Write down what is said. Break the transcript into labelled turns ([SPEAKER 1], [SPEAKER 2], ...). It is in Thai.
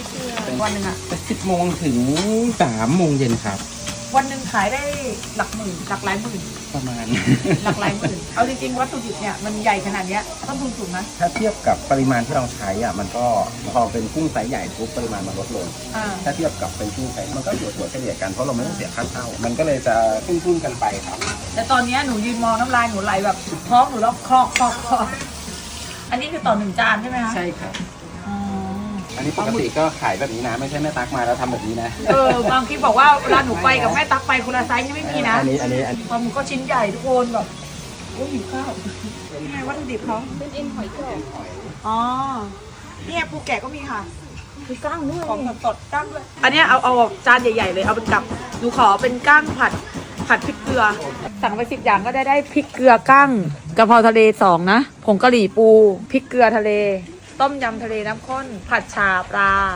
[SPEAKER 1] วันหนึ่งอะ
[SPEAKER 2] 10 โมงถึง 3 โมงเย็นครับ
[SPEAKER 1] วันหนึ่งขายได้หลักหมื่นหลักหลายหมื่น
[SPEAKER 2] ประมาณ
[SPEAKER 1] หลักหลายหมื่นเอาจริงๆวัตถุดิบเนี่ยมันใหญ่ขนาดเนี้ยต้นทุนสูงนะ
[SPEAKER 2] ถ้าเทียบกับปริมาณที่เราใช้อ่ะมันก็พอเป็นกุ้งไซส์ใหญ่ปุ๊บปริมาณมันลดลง
[SPEAKER 1] อ่า
[SPEAKER 2] ถ้าเทียบกับเป็นกุ้งไซส์มันก็อยู่ตัวเฉลี่ยกันเพราะเราไม่ต้องเสียค่าเช่ามันก็เลยจะขึ้นกันไปครับ
[SPEAKER 1] แต่ตอนเนี้ยหนูยืนมองน้ำลายหนูไหลแบบท้องหนูร้องคอกคอกคอกอันนี้คือต่อหนึ่งจานใช่ไหมคะ
[SPEAKER 2] ใช่ครับ
[SPEAKER 1] อ๋อ
[SPEAKER 2] อันนี้ปกติก็ขายแบบนี้นะไม่ใช่แม่ตักมาแล้วทำแบบนี้นะ
[SPEAKER 1] บางคลิปบอกว่าเวลาหนูไปกับแม่ตักไปคนละไซส์ยังไม่มีนะ
[SPEAKER 2] อันนี้
[SPEAKER 1] ปลาหมึกก็ชิ้นใหญ่ทุกคนแบบโอ้ยหิวข้าวนี่ไงวัตถุดิบเขา
[SPEAKER 3] เป็นเอ็นหอยกรอบ
[SPEAKER 1] อ๋อเนี่ยปูแกะก็มีค่ะ
[SPEAKER 3] มีก้างด้วย
[SPEAKER 1] ของสดๆก้างด้วยอันเนี้ยเอาจานใหญ่ๆเลยเอาเป็นกับหนูขอเป็นก้างผัดพริกเกลือสั่งไป10 อย่างก็ได้พริกเกลือก้างกะเพราทะเล2นะผงกะหรี่ปูพริกเกลือทะเล ต้มยำทะเลน้ำข้นผัดฉ่าปลา